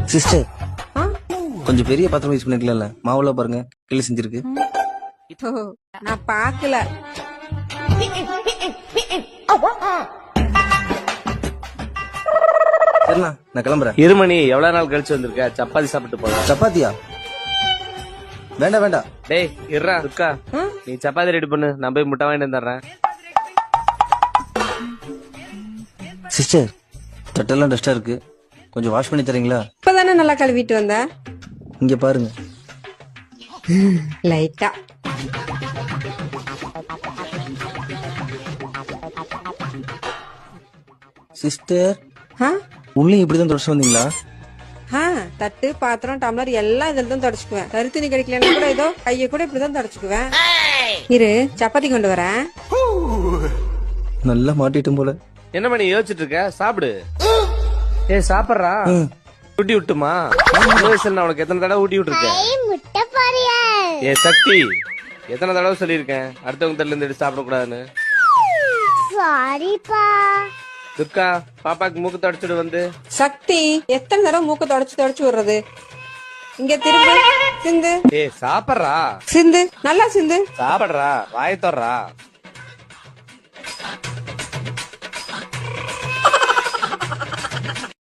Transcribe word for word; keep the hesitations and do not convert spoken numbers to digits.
Sister ஆ? கொஞ்சம் பெரிய பாத்திரம் யூஸ் பண்ணிருக்கல மாவுல பாருங்க கிளி செஞ்சிருக்கு. ஓ, நான் பாக்கல. சரிண்ணா நான் கிளம்புறேன். இருமணி எவ்வளவு நாள் கழிச்சு வந்திருக்க? சப்பாத்தி சாப்பிட்டு போலாம். சப்பாத்தியா? வேண்டாம் வேண்டாம். டேய் இருடா துர்கா, ஆ? நீ சப்பாத்தி ரெடி பண்ணு, நான் போய் முட்டை வாங்கிட்டு வந்துடுறேன். சிஸ்டர் தட்டெல்லாம் டஸ்டா இருக்கு, கொஞ்சம் வாஷ் பண்ணி தரீங்களா? இப்பதானே நல்லா கழுவிட்டு வந்த. இங்க பாருங்க. லைட்டா. சிஸ்டர் ஆ? உள்ளே இப்படிதான் தொடச்சு வந்தீங்களா? ஆ, தட்டு பாத்திரம் டம்ளர் எல்லாம் இதுல தான் தொடச்சுக்குவேன். கருத்துணி கிடைக்கலன்னா கூட ஏதோ கைய கூட இப்படிதான் தொடச்சுக்குவேன். இரு சப்பாத்தி கொண்டு வரேன். நல்லா மாட்டிட்டும் போல. என்ன பண்ணி யோசிச்சுட்டு இருக்க? சாப்பிடு. ஏய் சாப்பிடுறா. ஊட்டி விட்டுமா? சின்ன வயசுல நான் உனக்கு எத்தனை தடவை ஊட்டி விட்டுருக்கேன்? ஏ சக்தி, எத்தனை தடவை சொல்லியிருக்கேன் அடுத்தவங்க தட்டுல இருந்து எடுத்து சாப்பிட கூடாதுன்னு? துர்கா, பாப்பாக்கு மூக்கு தொடச்சிடு வந்து. சக்தி, எத்தனை தடவை மூக்க தொடச்சு தொடச்சு விடுறது? இங்க திரும்ப சிந்து ஏ சாப்பிடுறா. சிந்து நல்லா சிந்து. சாப்பிடுறா, வாய தர்றா.